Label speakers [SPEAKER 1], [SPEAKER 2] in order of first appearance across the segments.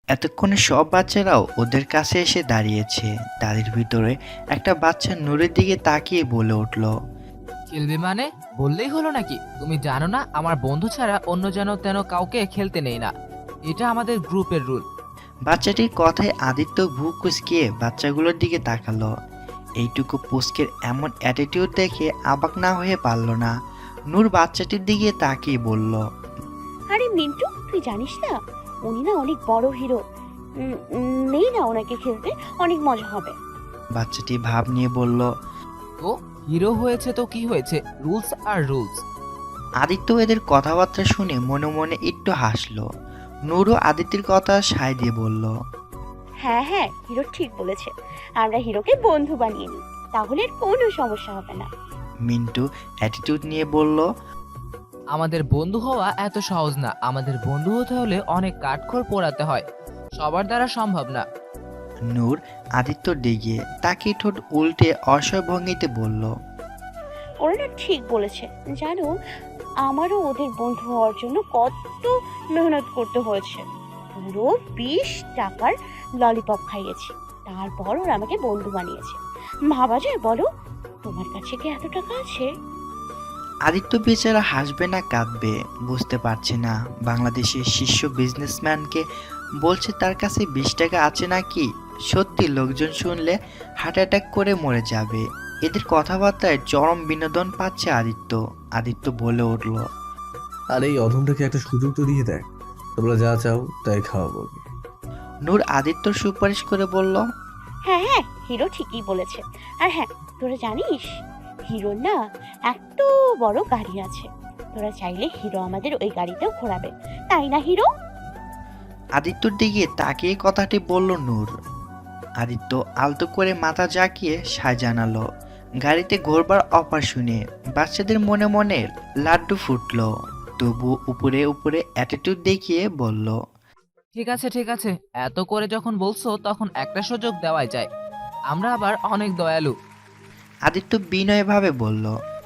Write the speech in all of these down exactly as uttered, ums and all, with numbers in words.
[SPEAKER 1] এতক্ষণে সব বাচ্চারাও ওদের কাছে এসে দাঁড়িয়েছে। তাদের ভিতরে একটা বাচ্চা নূরের দিকে তাকিয়ে বলে উঠল,
[SPEAKER 2] খেলবে মানে? বললেই হলো নাকি? তুমি জানো না আমার বন্ধু ছাড়া অন্য যেন তেন কাউকে খেলতে নেই না। এটা আমাদের গ্রুপের রুল।
[SPEAKER 1] বাচ্চাটির কথায় আদিত্য ভ্রু কুঁচকিয়ে বাচ্চাগুলোর দিকে তাকালো। এইটুকু পুস্কের এমন অ্যাটিটিউড দেখে অবাক না হয়ে পারল না। নূর বাচ্চাটির দিকে তাকিয়ে বলল,
[SPEAKER 3] আরে মিন্টু, তুই জানিস না উনি না অনেক বড় হিরো। উম, উম, নেই না ওনাকে খেলতে, অনেক মজা হবে।
[SPEAKER 1] বাচ্চাটি ভাব নিয়ে বলল।
[SPEAKER 2] তো হিরো হয়েছে তো কি হয়েছে, রুলস আর রুলস।
[SPEAKER 1] আদিত্য এদের কথাবার্তা শুনে মনে মনে একটু হাসলো। নূরও আদিত্যের কথা সায় দিয়ে বলল,
[SPEAKER 3] হ্যাঁ হ্যাঁ, হিরো ঠিক বলেছে। আমরা হিরোকে বন্ধু বানিয়ে নিই, তাহলে আর কোনো সমস্যা হবে না।
[SPEAKER 1] মিন্টু অ্যাটিটিউড নিয়ে বলল,
[SPEAKER 2] আমাদের বন্ধু হওয়া এত সহজ না। আমাদের বন্ধু হতে হলে অনেক কাঠখড় পোড়াতে হয়, সবার দ্বারা সম্ভব না।
[SPEAKER 1] নূর আদিত্যর দিকে তাকে ঠোঁট উল্টে অসহায় ভঙ্গিতে বলল,
[SPEAKER 3] ওরা না ঠিক বলেছে। জানো, আমারও ওদের বন্ধু হওয়ার জন্য কত মেহনত করতে হয়েছে। পুরো বিশ টাকার ললিপপ খাইয়েছি, তারপর ওরা আমাকে বন্ধু বানিয়েছে। ভাবা যায় বলো? তোমার কাছে কি এত টাকা আছে?
[SPEAKER 1] আদিত্য বেচারা হাসবে না কাঁদবে বুঝতে পারছে না। বাংলাদেশের শীর্ষ বিজনেসম্যানকে বলছে তার কাছে বিশ টাকা আছে নাকি। সত্যি লোকজন শুনলে হার্ট অ্যাটাক করে মরে যাবে। এদের কথাবার্তায় চরম বিনোদন পাচ্ছে আদিত্য। আদিত্য বলে উঠল,
[SPEAKER 4] আর এই অধমটাকে একটা সুযোগ তো দিয়ে দেয়, তোমরা যা চাও তাই খাওয়াবো।
[SPEAKER 1] নূর আদিত্যর সুপারিশ করে বলল,
[SPEAKER 3] হ্যাঁ হ্যাঁ, হিরো ঠিকই বলেছে। আর হ্যাঁ, তোরা জানিস হিরোর না এত বড় গাড়ি আছে। তোরা চাইলে হিরো আমাদের ওই গাড়িতেও ঘোরাবে, তাই না হিরো?
[SPEAKER 1] আদিত্যর দিকে তাকিয়ে কথাটি বলল নূর। আদিত্য আলতো করে মাথা জাকিয়ে সায় জানালো। গাড়িতে ঘোরবার অফার শুনে বাচ্চাদের মনে মনে লাড্ডু ফুটলো। তবু উপরে উপরে অ্যাটিটিউড দেখিয়ে বলল,
[SPEAKER 2] ঠিক আছে ঠিক আছে, এত করে যখন বলছো তখন একটা সুযোগ দেওয়াই যায়। আমরা আবার অনেক দয়ালু।
[SPEAKER 1] আদিত্য বিনয়ভাবে বলল।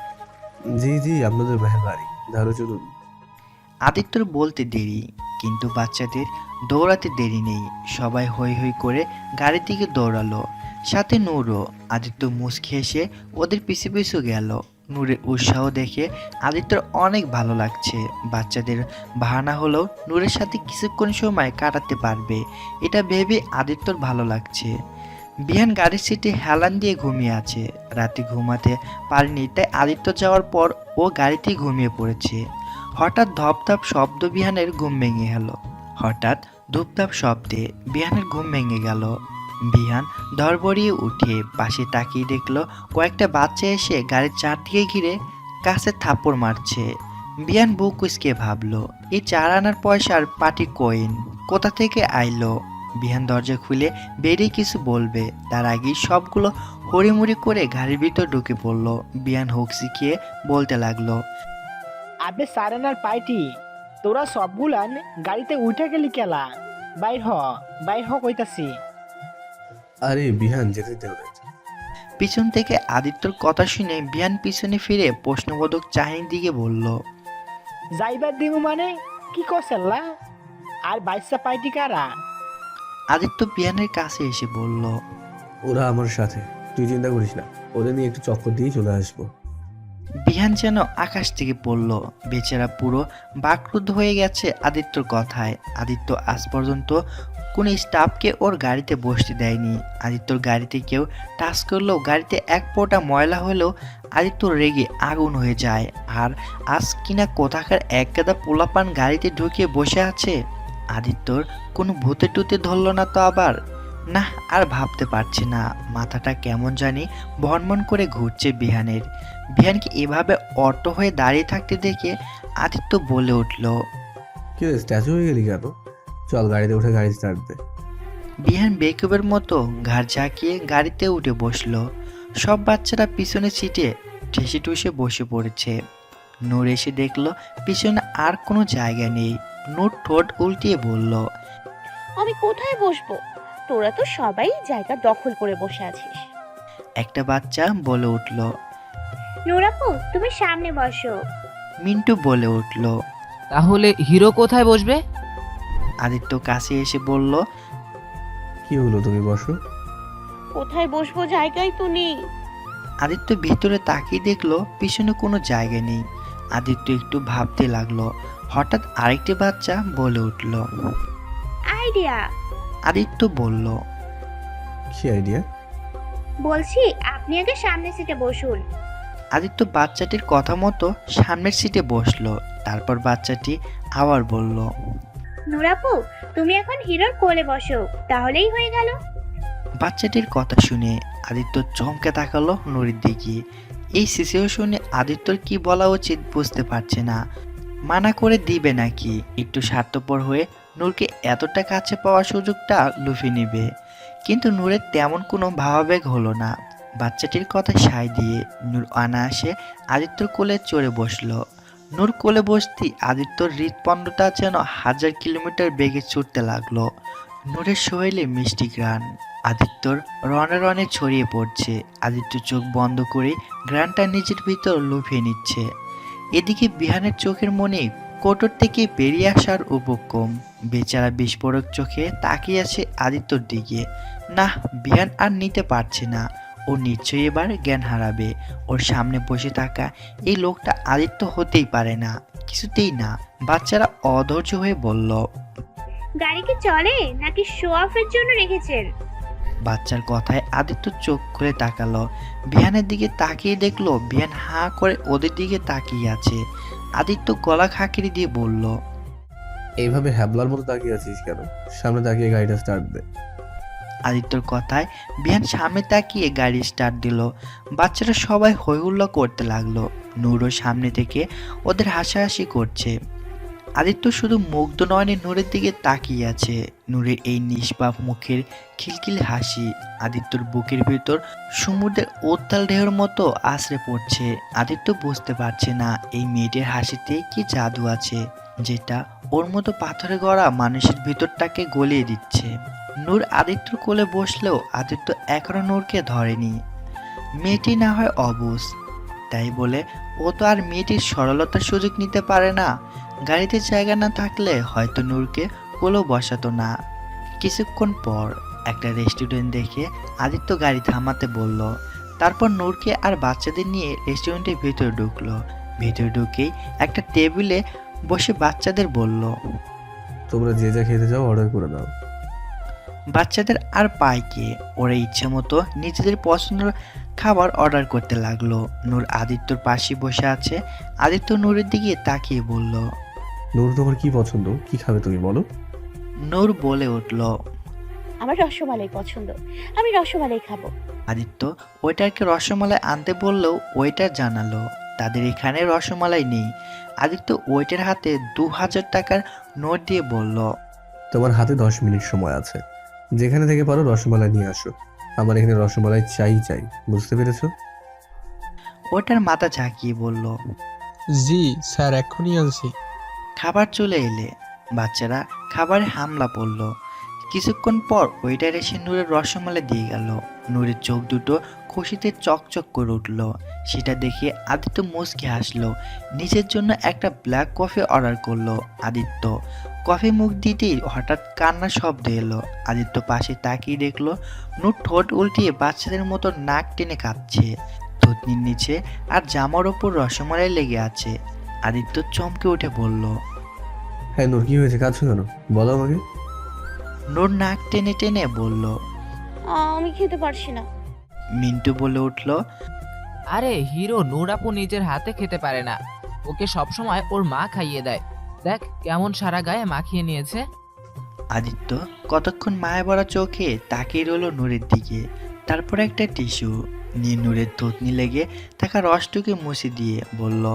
[SPEAKER 4] জি জি, আপনাদের মেহরবানি, ধারো চলুন।
[SPEAKER 1] আদিত্যর বলতে দেরি, কিন্তু বাচ্চাদের দৌড়াতে দেরি নেই। সবাই হৈ হৈ করে গাড়ির দিকে দৌড়ালো, সাথে নূরও। আদিত্য মুচকি হেসে ওদের পিছু পিছু গেল। নূরের উৎসাহ দেখে আদিত্যর অনেক ভালো লাগছে। বাচ্চাদের বাহানা হলেও নূরের সাথে কিছুক্ষণ সময় কাটাতে পারবে, এটা ভেবে আদিত্যর ভালো লাগছে। বিহান গাড়ির সিটে হেলান দিয়ে ঘুমিয়ে আছে। রাতে ঘুমাতে পারেনি, তাই আদিত্য যাওয়ার পর ও গাড়িতেই ঘুমিয়ে পড়েছে। হঠাৎ ধপধপ শব্দ বিহানের ঘুম ভেঙে গেল। হঠাৎ ধূপধাপ শব্দে বিহানের ঘুম ভেঙে গেল। বিহান ধড়বড়িয়ে উঠে পাশে তাকিয়ে দেখলো কয়েকটা বাচ্চা এসে গাড়ির চারদিকে ঘিরে কাছে থাপ্পড় মারছে। বিহান বুক কুঁচকে ভাবলো, এই চার আনার পয়সার পাটি কয়েন কোথা থেকে আইলো। বিহান দরজা খুলে বেরিয়ে কিছু বলবে, তার আগেই সবগুলো হড়িমুড়ি করে গাড়ির ভিতর ঢুকে পড়লো। বিহান হুক শিখিয়ে বলতে লাগলো,
[SPEAKER 5] আবে সারেনার পাইটি, তোরা সবগুলান গাড়িতে উঠে গেলি কেলা? বাইর হ, বাইর হ কইতাছি।
[SPEAKER 4] আরে বিহান, যেতে দে ওদের।
[SPEAKER 1] পিছন থেকে আদিত্যর কথা শুনে বিহান পিছনে ফিরে প্রশ্নবোধক চাহিনীর দিকে বলল,
[SPEAKER 5] যাইবার দিমু মানে কি করছেল্লা? আর বাইশা পাইটি কারা?
[SPEAKER 1] আদিত্য বিহানের কাছে এসে বলল,
[SPEAKER 4] ওরা আমার সাথে, তুই চিন্তা করিস না, ওদের নিয়ে একটু চক্কর দিয়ে চলে আসবো।
[SPEAKER 1] বিহান যেন আকাশ থেকে পড়ল। বেচারা পুরো বাকরুদ্ধ হয়ে গেছে আদিত্যর কথায়। আদিত্য আজ পর্যন্ত কোনো স্টাফকে ওর গাড়িতে বসতে দেয়নি। আদিত্যর গাড়িতে কেউ টাচ করলেও গাড়িতে এক ফোঁটা ময়লা হলেও আদিত্য রেগে আগুন হয়ে যায়। আর আজ কিনা কোথাকার এক গাদা পোলাপান গাড়িতে ঢুকিয়ে বসে আছে। আদিত্যর কোনো ভূতে টুতে ধরল না তো আবার? না, আর ভাবতে পারছে না। মাথাটা কেমন জানি ভনমন করে ঘুরছে বিহানের। বিহানকে এভাবে অটো হয়ে দাঁড়িয়ে থাকতে দেখে আদিত্য বলে উঠল,
[SPEAKER 4] কি রে, স্ট্যাচু হয়ে গেলি কেন? চল গাড়িতে উঠে গাড়ি স্টার্ট দে।
[SPEAKER 1] বিহান বেকুবের মতো ঘাড় ঝাঁকিয়ে গাড়িতে উঠে বসলো। সব বাচ্চারা পিছনে সিটে ঠেসে ঠুসে বসে পড়েছে। নূর এসে দেখলো পিছনে আর কোনো জায়গা নেই। নূর ঠোঁট উল্টিয়ে বলল,
[SPEAKER 3] আমি কোথায় বসবো? তোরা তো সবাই জায়গা দখল করে বসে আছিস।
[SPEAKER 1] একটা বাচ্চা বলে উঠল।
[SPEAKER 3] নুরাপু, তুমি সামনে বসো।
[SPEAKER 1] মিন্টু বলে উঠল,
[SPEAKER 2] তাহলে হিরো কোথায় বসবে?
[SPEAKER 1] আদিত্য কাছে এসে বলল,
[SPEAKER 4] কি হলো, তুমি বসো।
[SPEAKER 3] কোথায় বসবো, জায়গায় তো নেই।
[SPEAKER 1] আদিত্য ভেতরে তাকিয়ে দেখলো পিছনে কোনো জায়গা নেই। আদিত্য একটু ভাবতে লাগলো। হঠাৎ আরেকটি বাচ্চা বলে উঠল।
[SPEAKER 3] আইডিয়া।
[SPEAKER 1] আদিত্য বলল,
[SPEAKER 4] কি আইডিয়া?
[SPEAKER 3] বলছি আপনি আগে সামনের সিটে বসুন।
[SPEAKER 1] আদিত্য বাচ্চাটির কথা মতো সামনের সিটে বসলো। তারপর বাচ্চাটি আবার বলল,
[SPEAKER 3] নুরাপু, তুমি এখন হিরোর কোলে বসো, তাহলেই হয়ে গেল।
[SPEAKER 1] বাচ্চাটির কথা শুনে আদিত্য চমকে তাকালো নুরির দিকে। এই সিচুয়েশনে আদিত্যর কি বলা উচিত বুঝতে পারছে না। মানা করে দিবে নাকি একটু স্বার্থপর হয়ে নূরকে এতটা কাছে পাওয়ার সুযোগটা লুফে নেবে। কিন্তু নূরের তেমন কোনো ভাবাবেগ হলো না। বাচ্চাটির কথা সায় দিয়ে নূর অনায়াসে আদিত্যর কোলে চড়ে বসলো। নূর কোলে বসতেই আদিত্যর হৃৎপণ্ডটা যেন হাজার কিলোমিটার বেগে ছুটতে লাগলো। নূরের শরীরে মিষ্টি ঘ্রাণ আদিত্যর রনে রনে ছড়িয়ে পড়ছে। আদিত্য চোখ বন্ধ করে ঘ্রাণটা নিজের ভিতর লুফিয়ে নিচ্ছে। এদিকে বিহানের চোখের মনে কোটর থেকে বেরিয়ে আসার উপক্রম। বেচারা বিস্ফোরক চোখে তাকিয়ে আছে আদিত্যর দিকে। না, বিহান আর নিতে পারছে না। ও নিশ্চয়ই এবার জ্ঞান হারাবে। ওর সামনে বসে থাকা এই লোকটা আদিত্য হতেই পারে না, কিছুতেই না। বাচ্চারা অধৈর্য হয়ে বলল,
[SPEAKER 3] গাড়ি কি চলে নাকি শো অফের জন্য রেখেছেন?
[SPEAKER 1] বাচ্চার কথায় আদিত্য চোখ খুলে তাকালো। বিহানের দিকে তাকিয়ে দেখলো বিহান হাঁ করে ওদের দিকে তাকিয়ে আছে। আদিত্য গলা খাকিরি দিয়ে বলল,
[SPEAKER 4] এইভাবে হ্যাবলার মতো তাকিয়ে আছিস কেন? সামনে তাকিয়ে গাড়িটা স্টার্ট দে।
[SPEAKER 1] আদিত্যর কথায় বিহান সামনে তাকিয়ে গাড়ি স্টার্ট দিল। বাচ্চারা সবাই হৈ হুল্লোড় করতে লাগলো। নূরও সামনে থেকে ওদের হাসাহাসি করছে। আদিত্য শুধু মুগ্ধ নয়নে নূরের দিকে তাকিয়ে আছে। নূরের এই নিষ্পাপ মুখের খিলখিল হাসি আদিত্যর বুকের ভেতর সমুদ্রের উত্তাল ঢেউর মতো আছড়ে পড়ছে। আদিত্য বুঝতে পারছে না এই মেয়েটির হাসিতে কি জাদু আছে, যেটা ওর মতো পাথরে গড়া মানুষের ভিতরটাকে গলিয়ে দিচ্ছে। নূর আদিত্যর কোলে বসলেও আদিত্য এখনো নূরকে ধরেনি। মেয়েটি না হয় অবুঝ, তাই বলে ও তো আর মেয়েটির সরলতার সুযোগ নিতে পারে না। গাড়িতে জায়গা না থাকলে হয়তো নূরকে কোলেও বসাতো না। কিছুক্ষণ পর একটা রেস্টুরেন্ট দেখে আদিত্য গাড়ি থামাতে বলল। তারপর নূরকে আর বাচ্চাদের নিয়ে রেস্টুরেন্টের ভিতরে ঢুকলো। ভিতরে ঢুকেই একটা টেবিলে বসে বাচ্চাদের বলল,
[SPEAKER 4] তোমরা যে যা খেতে চাও অর্ডার করে দাও।
[SPEAKER 1] বাচ্চাদের আর পায় কে, ওরা ইচ্ছে মতো নিজেদের পছন্দের খাবার অর্ডার করতে লাগলো। নূর আদিত্যর পাশে বসে আছে। আদিত্য নূরের দিকে তাকিয়ে বলল,
[SPEAKER 4] নূর, তোমার কি পছন্দ? কি খাবে তুমি বলো?
[SPEAKER 1] নূর বলে উঠল,
[SPEAKER 3] আমার রসমালাই পছন্দ, আমি রসমালাই খাবো।
[SPEAKER 1] আদিত্য ওয়েটারকে রসমালাই আনতে বললেও ওয়েটার জানালো তাদের এখানে রসমালাই নেই। আদিত্য ওয়েটার হাতে দু হাজার টাকার নোট দিয়ে বলল,
[SPEAKER 4] তোমার হাতে দশ মিনিট সময় আছে, যেখানে থেকে পারো রসমালাই নিয়ে আসো। আমার এখানে রসমালাই চাই চাই, বুঝতে পেরেছো?
[SPEAKER 1] ওয়েটার মাথা ঝাঁকিয়ে বলল,
[SPEAKER 6] জি স্যার, এক্ষুনি আনছি।
[SPEAKER 1] খাবার চলে এলে বাচ্চারা খাবারে হামলা পড়ল। কিছুক্ষণ পর ওয়েটার এসে নূরের রসমালাই দিয়ে গেল। নূরের চোখ দুটো খুশিতে চকচক করে উঠল। সেটা দেখে আদিত্য মুচকি হাসলো। নিজের জন্য একটা ব্ল্যাক কফি অর্ডার করলো আদিত্য। কফি মুখ দিতেই হঠাৎ কান্নার শব্দ এলো। আদিত্য পাশে তাকিয়ে দেখলো নূর ঠোঁট উল্টিয়ে বাচ্চাদের মতো নাক টেনে কাঁদছে। থুতনির নিচে আর জামার ওপর রসমালাই লেগে আছে। আদিত্য চমকে উঠে বলল,
[SPEAKER 4] হ্যাঁ নূর, কি হয়েছে? কাঁদছো কেন? বলো আমাকে।
[SPEAKER 1] নূর নাক টেনে টেনে বলল,
[SPEAKER 3] আমি খেতে পারছি না।
[SPEAKER 1] মিন্টু বলে উঠল,
[SPEAKER 2] আরে হিরো নূর আপু নিজের হাতে খেতে পারে না, ওকে সবসময় ওর মা খাইয়ে দেয়। দেখ কেমন সারা গায়ে মাখিয়ে নিয়েছে।
[SPEAKER 1] আদিত্য কতক্ষণ মায়া ভরা চোখে তাকিয়ে রইল নূরের দিকে। তারপর একটা টিস্যু নিয়ে নূরের থুতনি লেগে থাকা রসটুকে মুছে দিয়ে বলল,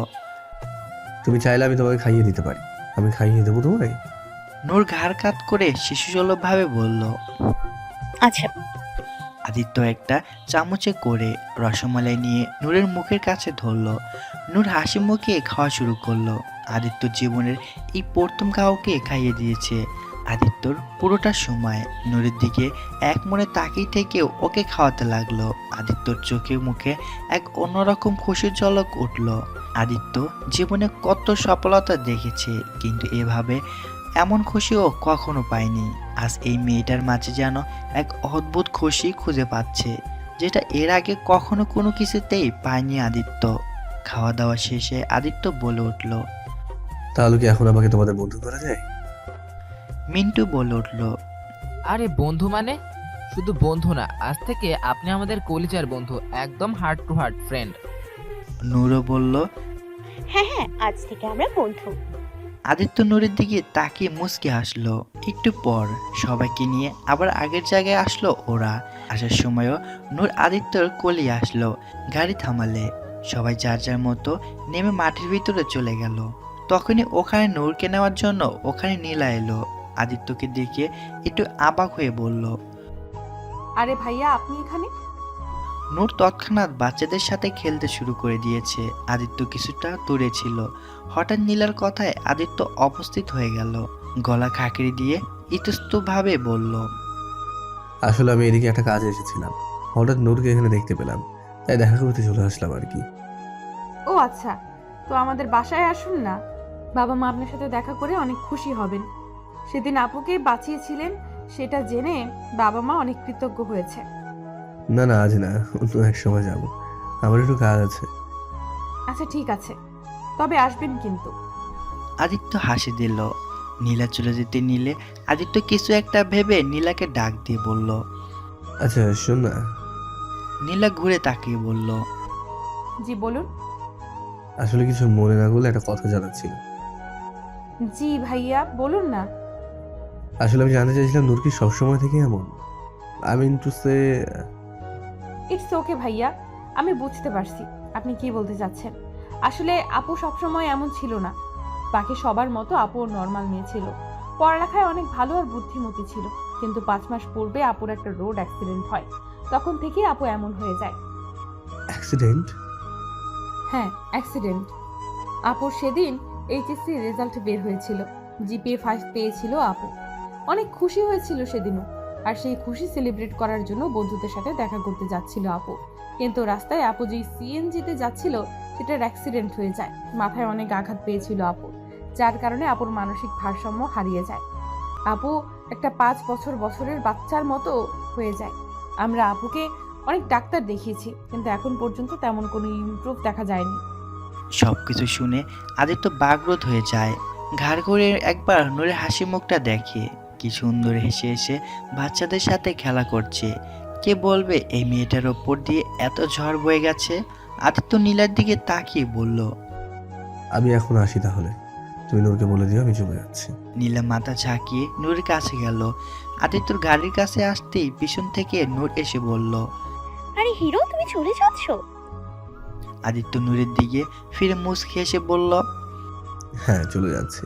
[SPEAKER 4] তুমি চাইলে আমি তোমাকে খাইয়ে দিতে পারি। আমি খাইয়ে দেবো তোমায়।
[SPEAKER 1] নূর ঘাড় কাত করে শিশুসুলভভাবে বলল।
[SPEAKER 3] আচ্ছা।
[SPEAKER 1] আদিত্য একটা চামচে করে রসমালাই নিয়ে নূরের মুখের কাছে ধরল। নূর হাসি মুখে খাওয়া শুরু করলো। আদিত্য জীবনের এই প্রথম কাউকে খাইয়ে দিয়েছে। আদিত্যর পুরোটা সময় নূরের দিকে এক মনে তাকিয়ে থেকেও ওকে খাওয়াতে লাগলো। আদিত্যর চোখে মুখে এক অন্যরকম খুশির ঝলক উঠল। আদিত্য জীবনে কত সফলতা দেখেছে, কিন্তু এভাবে এমন খুশিও কখনো পায়নি। আজ এই মেয়েটার মাঝে যেন এক অদ্ভুত খুশি খুঁজে পাচ্ছে, যেটা এর আগে কখনো কোনো কিছুতেই পায়নি আদিত্য। খাওয়া দাওয়া শেষে আদিত্য বলে উঠল।
[SPEAKER 4] তাহলে কি এখন আমাকে তোমাদের বন্ধু করা যায়?
[SPEAKER 1] মিন্টু বলে উঠল।
[SPEAKER 2] আরে বন্ধু মানে? শুধু বন্ধু না, আজ থেকে আপনি আমাদের কলিজার বন্ধু, একদম হার্ট টু হার্ট ফ্রেন্ড।
[SPEAKER 1] নূরও বলল।
[SPEAKER 3] হ্যাঁ হ্যাঁ, আজ থেকে আমরা বন্ধু।
[SPEAKER 1] আদিত্য নূরের দিকে তাকিয়ে মুচকে হাসলো। একটু পর সবাইকে নিয়ে আবার আগের জায়গায় আসলো ওরা। আসার সময়ও নূর আদিত্যর কোলে আসলো। গাড়ি থামালে সবাই যার যার মতো নেমে মাঠের ভিতরে চলে গেল। তখনই ওখানে নূরকে নেওয়ার জন্য ওখানে নীলা এলো। আদিত্যকে দেখে একটু অবাক হয়ে বলল।
[SPEAKER 7] আরে ভাইয়া, আপনি এখানে?
[SPEAKER 1] নূর তৎক্ষণাৎ বাচ্চাদের সাথে খেলতে শুরু করে দিয়েছে। আদিত্য কিছুটা দূরে ছিল। হঠাৎ নীলার কথায় আদিত্য উপস্থিত হয়ে গেল। গলা খাঁকড়ি দিয়ে ইতস্তভাবে বলল।
[SPEAKER 4] আসলে আমি এদিকে একটা কাজে এসেছিলাম, হঠাৎ নূরকে এখানে দেখতে পেলাম, তাই দেখা করতে চলে আসলাম আর কি।
[SPEAKER 7] ও আচ্ছা, তো আমাদের বাসায় আসুন না, বাবা মা আপনার সাথে দেখা করে অনেক খুশি হবেন। সেদিন আপুকে বাঁচিয়েছিলেন, সেটা জেনে বাবা মা অনেক কৃতজ্ঞ হয়েছে।
[SPEAKER 4] না না, আজ না, অন্য এক সময় যাবো, আমার একটু কাজ আছে।
[SPEAKER 7] আচ্ছা ঠিক আছে, তবে আসবেন কিন্তু।
[SPEAKER 1] আদিত্য হাসি দিল। নীলা চলে যেতে নিলে আদিত্য কিছু একটা ভেবে নীলাকে ডাক দিয়ে বলল।
[SPEAKER 4] আচ্ছা শোন না,
[SPEAKER 1] নীলা ঘুরে তাকিয়ে বলল।
[SPEAKER 7] জি বলুন।
[SPEAKER 4] আসলে কিছু মনে না করলে একটা কথা জানার ছিল।
[SPEAKER 7] জি ভাইয়া, বলুন না।
[SPEAKER 4] আসলে আমি জানতে চাইছিলাম নূর কি সবসময় থেকে এমন? I mean to say.
[SPEAKER 7] It's okay ভাইয়া, আমি বুঝতে পারছি আপনি কি বলতে চাচ্ছেন। আসলে আপু সবসময় এমন ছিল না, বাকি সবার মতো আপুও নর্মাল মেয়ে ছিল। পড়ালেখায় অনেক ভালো আর বুদ্ধিমতী ছিল, কিন্তু পাঁচ মাস পূর্বে আপুর একটা রোড অ্যাক্সিডেন্ট হয়, তখন থেকেই আপু এমন হয়ে যায়।
[SPEAKER 4] অ্যাক্সিডেন্ট?
[SPEAKER 7] হ্যাঁ অ্যাক্সিডেন্ট। আপুর সেদিন এইচএসসি রেজাল্ট বের হয়েছিল, জিপিএ ফাইভ পেয়েছিল আপু। অনেক খুশি হয়েছিল সেদিনও, আর সেই খুশি সেলিব্রেট করার জন্য বন্ধুদের সাথে দেখা করতে যাচ্ছিল আপু। কিন্তু রাস্তায় আপু যে সিএনজিতে যাচ্ছিল সেটার অ্যাক্সিডেন্ট হয়ে যায়। মাথায় অনেক আঘাত পেয়েছিল আপু, যার কারণে আপুর মানসিক ভারসাম্য হারিয়ে যায়। আপু একটা পাঁচ বছর বছরের বাচ্চার মতো হয়ে যায়। আমরা আপুকে অনেক ডাক্তার দেখিয়েছি, কিন্তু এখন পর্যন্ত তেমন কোনো ইমপ্রুভ দেখা যায়নি।
[SPEAKER 1] সবকিছু শুনে আদিত্য বাগরোধ হয়ে যায়। ঘাড় করে একবার নূরের হাসি মুখটা দেখে, কি সুন্দর হেসে হেসে বাচ্চাদের সাথে খেলা করছে। কে বলবে এই মেয়েটার ওপর দিয়ে এত ঝড় বয়ে গেছে। আদিত্য নীলার দিকে তাকিয়ে বলল।
[SPEAKER 4] আমি এখন আসি, তাহলে তুমি নূরকে বলে দিও আমি চলে যাচ্ছি।
[SPEAKER 1] নীলা মাথা ঝাঁকিয়ে নূরের কাছে গেল। আদিত্যর গাড়ির কাছে আসতেই পিছন থেকে নূর এসে বলল।
[SPEAKER 3] আরে হিরো, তুমি চলে যাচ্ছ?
[SPEAKER 1] আদিত্য নূরের দিকে ফিরে মুচকি এসে বলল।
[SPEAKER 4] হ্যাঁ চলে যাচ্ছি।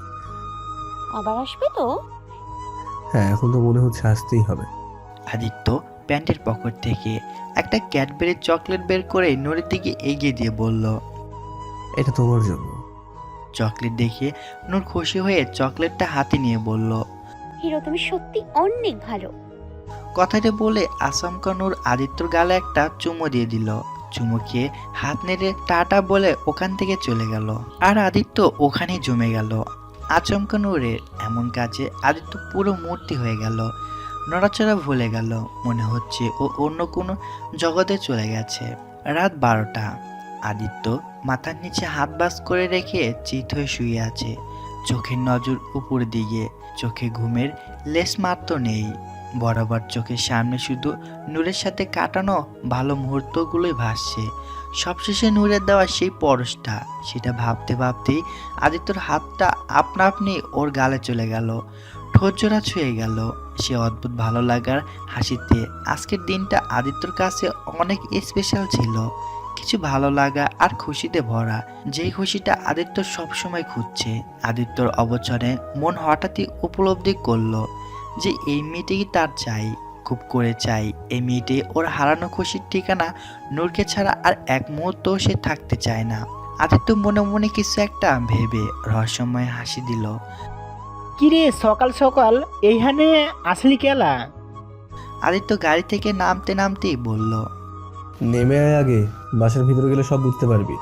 [SPEAKER 3] আবার আসবে তো?
[SPEAKER 4] হ্যাঁ এখন তো মনে হচ্ছে আসতেই হবে।
[SPEAKER 1] আদিত্য প্যান্টের পকেট থেকে একটা ক্যাডবেরি চকলেট বের করে নূরের দিকে এগিয়ে দিয়ে বলল।
[SPEAKER 4] এটা তোমার জন্য।
[SPEAKER 1] চকলেট দেখে নূর খুশি হয়ে চকলেটটা হাতে নিয়ে বলল।
[SPEAKER 3] হিরো, তুমি সত্যি অনেক ভালো।
[SPEAKER 1] কথাটা বলে আচমকা নূর আদিত্যর গালে একটা চুমো দিয়ে দিল। চুমো খেয়ে হাত নেড়ে টাটা বলে ওখান থেকে চলে গেল। আর আদিত্য ওখানেই জমে গেল। আচমকা নূরের এমন কাজে আদিত্য পুরো মূর্তি হয়ে গেল। নড়াচড়া ভুলে গেল, মনে হচ্ছে ও অন্য কোনো জগতে চলে গেছে। রাত বারোটা। আদিত্য মাথার নিচে হাত বাস করে রেখে চিত হয়ে শুয়ে আছে। চোখের নজর উপর দিকে, চোখে ঘুমের লেশ মাত্র নেই। বরাবর চোখের সামনে শুধু নূরের সাথে কাটানো ভালো মুহূর্তগুলোই ভাসছে। সবশেষে নূরের দেওয়া সেই পরশটা, সেটা ভাবতে ভাবতেই আদিত্যর হাতটা আপনা আপনি ওর গালে চলে গেল। ঠোঁট জোড়া ছুঁয়ে গেল সে অদ্ভুত ভালো লাগার হাসিতে। আজকের দিনটা আদিত্যর কাছে অনেক স্পেশাল ছিল, কিছু ভালো লাগা আর খুশিতে ভরা, যেই খুশিটা আদিত্য সবসময় খুঁজছে। আদিত্যর অবচরে মন হঠাৎই উপলব্ধি করলো যে এই মেয়েটিই তার চাই, খুব করে চাই। এই মেয়েটি ওর হারানো খুশির ঠিকানা। নূরকে ছাড়া আর এক মুহূর্ত সে থাকতে চায় না। আদিত্য মনে মনে কিছু একটা ভেবে রহস্যময় হাসি দিল।
[SPEAKER 5] কিরে সকাল সকাল এইখানে আসলি কেলা?
[SPEAKER 1] আদিত্য গাড়ি থেকে নামতে নামতেই বলল।
[SPEAKER 4] নেমে আয় আগে, বাসার ভিতরে গেলে সব বুঝতে পারবি।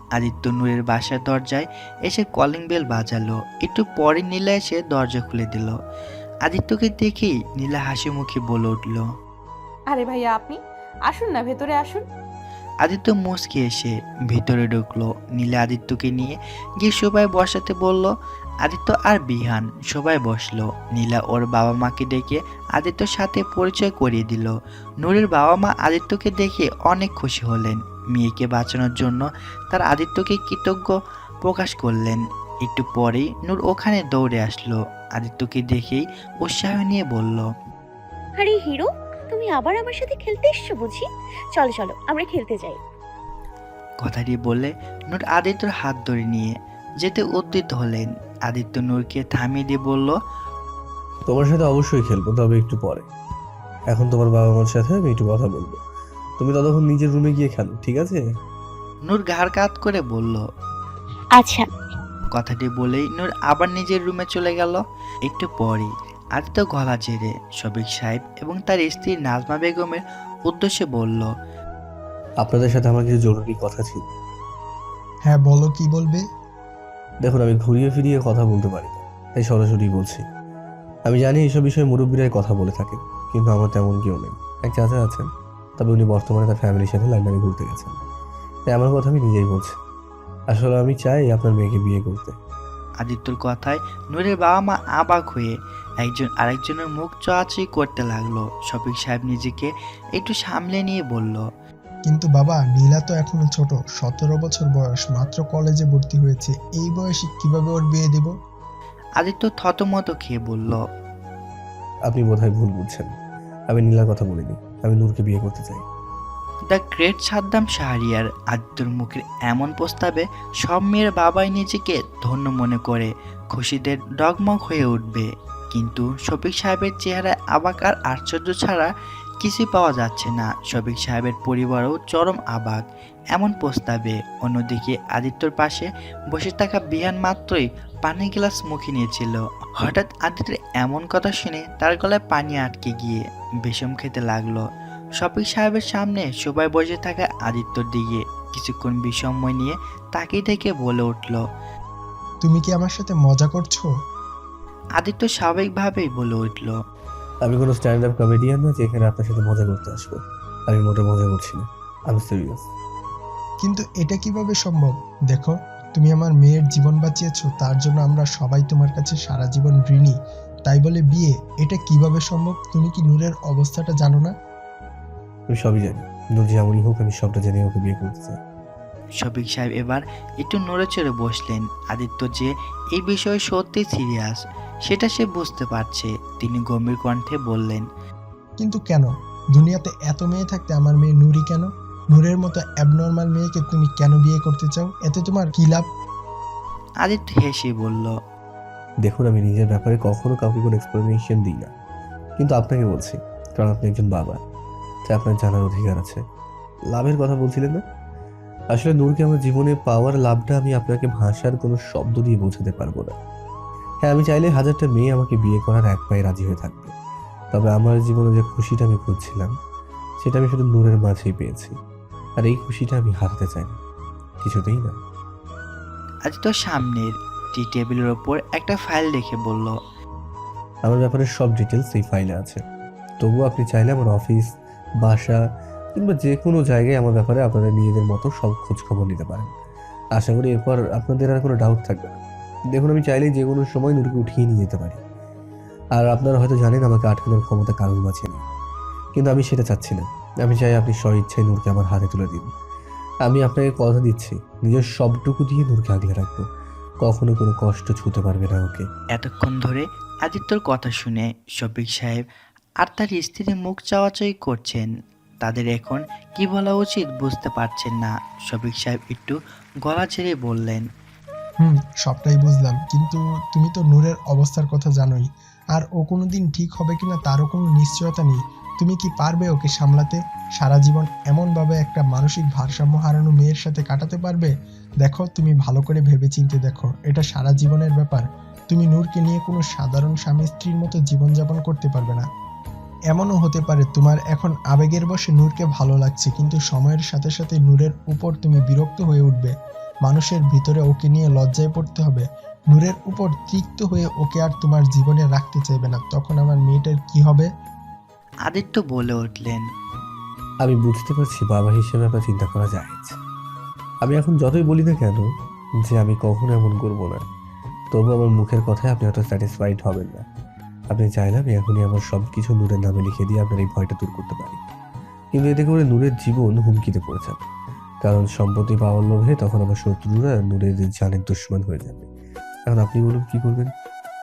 [SPEAKER 1] আদিত্য নূরের বাসার দরজায় এসে কলিং বেল বাজালো। একটু পরে নীলা এসে দরজা খুলে দিল। আদিত্যকে দেখেই নীলা হাসি মুখে বলে উঠল।
[SPEAKER 7] আরে ভাইয়া আপনি আসুন না, ভেতরে আসুন।
[SPEAKER 1] আদিত্য মুচকে এসে ভিতরে ঢুকলো। নীলা আদিত্যকে নিয়ে গিয়ে সবাই বসাতে বলল। আদিত্য আর বিহান সবাই বসলো। নীলা ওর বাবা মাকে ডেকে আদিত্যর সাথে পরিচয় করিয়ে দিল। নূরের বাবা মা আদিত্যকে দেখে অনেক খুশি হলেন। মেয়েকে বাঁচানোর জন্য তার আদিত্যকে কৃতজ্ঞ প্রকাশ করলেন। একটু পরেই নূর ওখানে দৌড়ে আসলো। আদিত্যকে দেখেই উৎসাহ নিয়ে বলল।
[SPEAKER 3] আরে হিরো, তুমি আবার আমার সাথে খেলতে এসছো বুঝি? চলো চলো আমরা খেলতে যাই।
[SPEAKER 1] কথাটি বলে নূর আদিত্যর হাত ধরে নিয়ে যেতে উদ্যত হলেন। আদিত্য নূরকে থামিয়ে দিয়ে বলল।
[SPEAKER 4] তোমার সাথে অবশ্যই খেলবো, তবে একটু পরে। এখন তোমার বাবা মার সাথে আমি একটু কথা বলবো। তুমি ততক্ষণ নিজের রুমে গিয়ে খেলো, ঠিক আছে?
[SPEAKER 1] নূর ঘাড় কাত করে বলল।
[SPEAKER 3] আচ্ছা।
[SPEAKER 1] কথাটি বলেই নূর আবার নিজের রুমে চলে গেল। একটু পরেই আদিত্য গলা ঝেড়ে শফিক সাহেব এবং তার স্ত্রী নাজমা বেগমের উদ্দেশ্যে বলল।
[SPEAKER 4] আপনাদের সাথে আমার কিছু জরুরি কথা ছিল।
[SPEAKER 6] হ্যাঁ বলো, কি বলবে?
[SPEAKER 4] দেখুন, আমি ঘুরিয়ে ফিরিয়ে কথা বলতে পারি না, তাই সরাসরি বলছি। আমি জানি এইসব বিষয়ে মুরব্বীরাই কথা বলে থাকে, কিন্তু আমার তেমন কেউ নেই। এক চাচা আছেন, তবে উনি বর্তমানে তার ফ্যামিলির সাথে লন্ডনে ঘুরতে গেছেন। তাই আমার কথা আমি নিজেই বলছি। আসলে আমি চাই আপনার মেয়েকে বিয়ে করতে।
[SPEAKER 1] আদিত্যর কথায় নূরের বাবা মা অবাক হয়ে একজন আরেকজনের মুখ চাওয়াচাই করতে লাগলো। শফিক সাহেব নিজেকে একটু সামলে নিয়ে বলল।
[SPEAKER 6] কিন্তু বাবা, নীলা তো এখনো ছোট, সতেরো বছর বয়স, মাত্র কলেজে ভর্তি হয়েছে। এই বয়সে কিভাবে ওর বিয়ে দেব?
[SPEAKER 1] আদিত্য থতমত খেয়ে বলল।
[SPEAKER 4] আপনি বোধহয় ভুল বুঝছেন। আমি নীলার কথা বলিনি, আমি নূরকে বিয়ে করতে চাই।
[SPEAKER 1] দ্য গ্রেট সাদ্দাম শাহরিয়ার আদিত্যর মুখের এমন প্রস্তাবে সব মেয়ের বাবাই নিজেকে ধন্য মনে করে খুশিতে ডগমগ হয়ে উঠবে। কিন্তু শফিক সাহেবের চেহারায় অবাক আর আশ্চর্য ছাড়া কিছুই পাওয়া যাচ্ছে না। শফিক সাহেবের পরিবারও চরম অবাক এমন প্রস্তাবে। অন্যদিকে আদিত্যর পাশে বসে থাকা বিহান মাত্রই পানির গ্লাস মুখে নিয়েছিল। হঠাৎ আদিত্যের এমন কথা শুনে তার গলায় পানি আটকে গিয়ে বিষম খেতে লাগলো। শফিক সাহেবের সামনে সবাই বসে থাকা আদিত্যর দিকে কিছুক্ষণ বিষময় নিয়ে তাকিয়ে থেকে বলে উঠল।
[SPEAKER 6] তুমি কি আমার সাথে মজা করছো?
[SPEAKER 1] আদিত্য স্বাভাবিকভাবেই বলে উঠল।
[SPEAKER 4] আমি কোনো স্ট্যান্ড আপ কমেডিয়ান না যে এখানে আপনার সাথে মজা করতে আসবো। আমি মোটে মজা করছি না, আমি সিরিয়াস।
[SPEAKER 6] কিন্তু এটা কিভাবে সম্ভব? দেখো, তুমি আমার মেয়ের জীবন বাঁচিয়েছো, তার জন্য আমরা সবাই তোমার কাছে সারা জীবন ঋণী। তাই বলে বিয়ে, এটা কিভাবে সম্ভব? তুমি কি নূরের অবস্থাটা জানো না?
[SPEAKER 4] আমি সবই জানি। নূর যেমনই হোক, আমি সবটা জেনে ওকে বিয়ে করতে চাই।
[SPEAKER 1] শফিক সাহেব এবার একটু নড়ে চড়ে বসলেন। আদিত্য যে এই বিষয়ে সত্যি সিরিয়াস সেটা সে বুঝতে পারছে। তিনি গম্ভীর কণ্ঠে বললেন।
[SPEAKER 6] কিন্তু কেন? দুনিয়াতে এত মেয়ে থাকতে আমার মেয়ে নূরই কেন? নূরের মতো অ্যাবনর্মাল মেয়েকে তুমি কেন বিয়ে করতে চাও? এতে তোমার কি লাভ?
[SPEAKER 1] আদিত্য হেসে বলল।
[SPEAKER 4] দেখুন, আমি নিজের ব্যাপারে কখনো কাউকে কোনো এক্সপ্লেনেশন দিই না, কিন্তু আপনাকে বলছি, কারণ আপনি একজন বাবা, তাই আপনার জানার অধিকার আছে। লাভের কথা বলছিলেন না? আসলে নূরকে আমার জীবনে পাওয়ার লাভটা আমি আপনাকে ভাষার কোনো শব্দ দিয়ে বোঝাতে পারবো না। হ্যাঁ, আমি চাইলে হাজারটা মেয়ে আমাকে বিয়ে করার এক পায়ে রাজি হয়ে থাকবে, তবে আমার জীবনে যে খুশিটা আমি খুঁজছিলাম সেটা আমি শুধু নূরের মাঝেই পেয়েছি। আর এই খুশিটা আমি হারাতে চাই না, কিছুতেই না।
[SPEAKER 1] আদিত্য সামনের টি টেবিলের ওপর একটা ফাইল রেখে বলল।
[SPEAKER 4] আমার ব্যাপারে সব ডিটেলস এই ফাইলে আছে। তবুও আপনি চাইলে আমার অফিস, বাসা কিংবা যে কোনো জায়গায় আমার ব্যাপারে আপনারা নিজেদের মতো সব খোঁজ খবর নিতে পারেন। আশা করি এরপর আপনাদের আর কোনো ডাউট থাকবে না। দেখুন, আমি চাইলেই যে কোনো সময় নূরকে উঠিয়ে নিয়ে যেতে পারি। আর আপনারা হয়তো জানেন আমাকে আটকানোর ক্ষমতা কারোর মাঝে নেই, কিন্তু আমি সেটা চাচ্ছি না। আমি চাই আপনি স্ব ইচ্ছায় নূরকে আমার হাতে তুলে দিন। আমি আপনাকে কথা দিচ্ছি, নিজের সবটুকু দিয়ে নূরকে আগলে রাখবো। কখনো কোনো কষ্ট ছুঁতে পারবে না ওকে।
[SPEAKER 1] এতক্ষণ ধরে আদিত্যর কথা শুনে শফিক সাহেব আর তার স্ত্রী মুখ চাওয়াচাই করছেন। তাদের এখন কি বলা উচিত বুঝতে পারছেন না। শফিক সাহেব একটু গলা ছেড়ে বললেন।
[SPEAKER 6] হুম, সবটাই বুঝলাম, কিন্তু তুমি তো নূরের অবস্থার কথা জানোই। আর ও কোনোদিন ঠিক হবে কিনা তারও কোনো নিশ্চয়তা নেই। তুমি কি পারবে ওকে সামলাতে? সারা জীবন এমনভাবে একটা মানসিক ভারসাম্য হারানো মেয়ের সাথে কাটাতে পারবে? দেখো, তুমি ভালো করে ভেবেচিন্তে দেখো, এটা সারা জীবনের ব্যাপার। তুমি নূরকে নিয়ে কোনো সাধারণ স্বামী স্ত্রীর মতো জীবনযাপন করতে পারবে না। এমনও হতে পারে তোমার এখন আবেগের বশে নূরকে ভালো লাগছে, কিন্তু সময়ের সাথে সাথে নূরের উপর তুমি বিরক্ত হয়ে উঠবে। মানুষের ভিতরে ওকে নিয়ে লজ্জায় পড়তে হবে? নূরের উপর তিক্ত হয়ে ওকে আর তোমার জীবনে রাখতে চাইবে না, তখন আমার মেয়েটার কি হবে?
[SPEAKER 1] আদিত্য বলে উঠলেন।
[SPEAKER 4] আমি বুঝতে পারছি বাবা হিসেবে আপনার চিন্তা করা যায়। আমি এখন যতই বলি না কেন যে আমি কখনো এমন করবো না, তবু আমার মুখের কথায় আপনি হয়তো স্যাটিসফাইড হবেন না। আপনি চাইলে আমি এখনই আমার সব কিছু নূরের নামে লিখে দিয়ে আপনার এই ভয়টা দূর করতে পারি, কিন্তু এতে করে নূরের জীবন হুমকিতে পড়ে যাবে। কারণ সম্পত্তি পাওয়ার লোভে তখন আমার শত্রুরা নূরের জানের দুশ্মন হয়ে যাবে। এখন আপনি বলুন কি করবেন?